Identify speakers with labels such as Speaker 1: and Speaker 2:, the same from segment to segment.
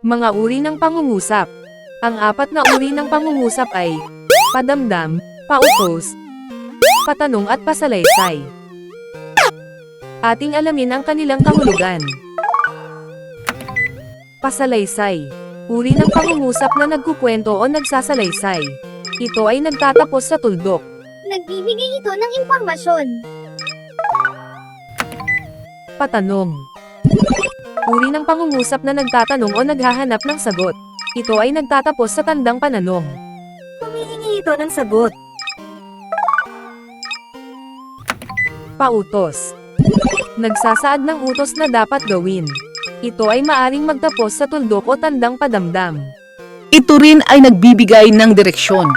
Speaker 1: Mga uri ng pangungusap. Ang apat na uri ng pangungusap ay padamdam, pautos, patanong at pasalaysay. Ating alamin ang kanilang kahulugan. Pasalaysay. Uri ng pangungusap na nagkukwento o nagsasalaysay. Ito ay nagtatapos sa tuldok.
Speaker 2: Nagbibigay ito ng impormasyon.
Speaker 1: Patanong. Uri ng pangungusap na nagtatanong o naghahanap ng sagot. Ito ay nagtatapos sa tandang pananong.
Speaker 2: Humihingi ito ng sagot.
Speaker 1: Pautos. Nagsasaad ng utos na dapat gawin. Ito ay maaring magtapos sa tuldok o tandang padamdam.
Speaker 3: Ito rin ay nagbibigay ng direksyon.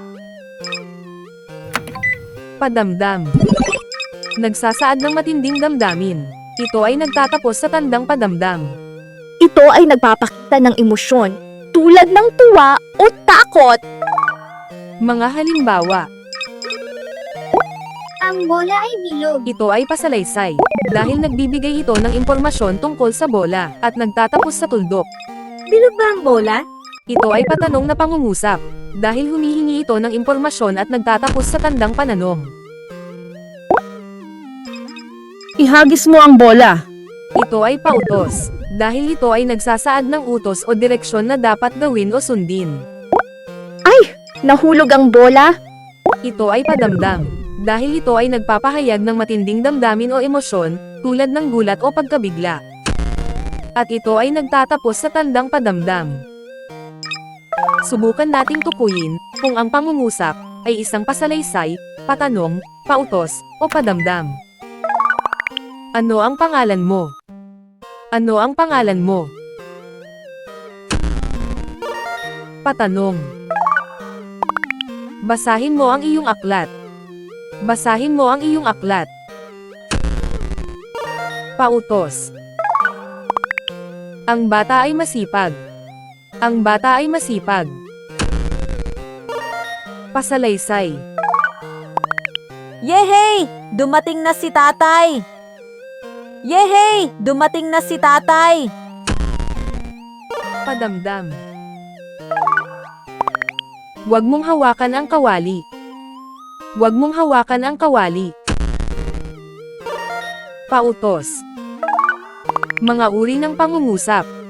Speaker 1: Padamdam. Nagsasaad ng matinding damdamin. Ito ay nagtatapos sa tandang padamdam.
Speaker 2: Ito ay nagpapakita ng emosyon, tulad ng tuwa o takot.
Speaker 1: Mga halimbawa.
Speaker 2: Ang bola ay bilog.
Speaker 1: Ito ay pasalaysay, dahil nagbibigay ito ng impormasyon tungkol sa bola, at nagtatapos sa tuldok.
Speaker 2: Bilog ba ang bola?
Speaker 1: Ito ay patanong na pangungusap, dahil humihingi ito ng impormasyon at nagtatapos sa tandang pananong.
Speaker 3: Ihagis mo ang bola.
Speaker 1: Ito ay pautos, dahil ito ay nagsasaad ng utos o direksyon na dapat gawin o sundin.
Speaker 2: Nahulog ang bola?
Speaker 1: Ito ay padamdam, dahil ito ay nagpapahayag ng matinding damdamin o emosyon, tulad ng gulat o pagkabigla. At ito ay nagtatapos sa tandang padamdam. Subukan nating tukuyin kung ang pangungusap ay isang pasalaysay, patanong, pautos, o padamdam. Ano ang pangalan mo? Ano ang pangalan mo? Patanong. Basahin mo ang iyong aklat. Basahin mo ang iyong aklat. Pautos. Ang bata ay masipag. Ang bata ay masipag. Pasalaysay.
Speaker 4: Yehey! Dumating na si tatay! Yehey! Dumating na si tatay!
Speaker 1: Padamdam. Huwag mong hawakan ang kawali. Huwag mong hawakan ang kawali. Pautos. Mga uri ng pangungusap.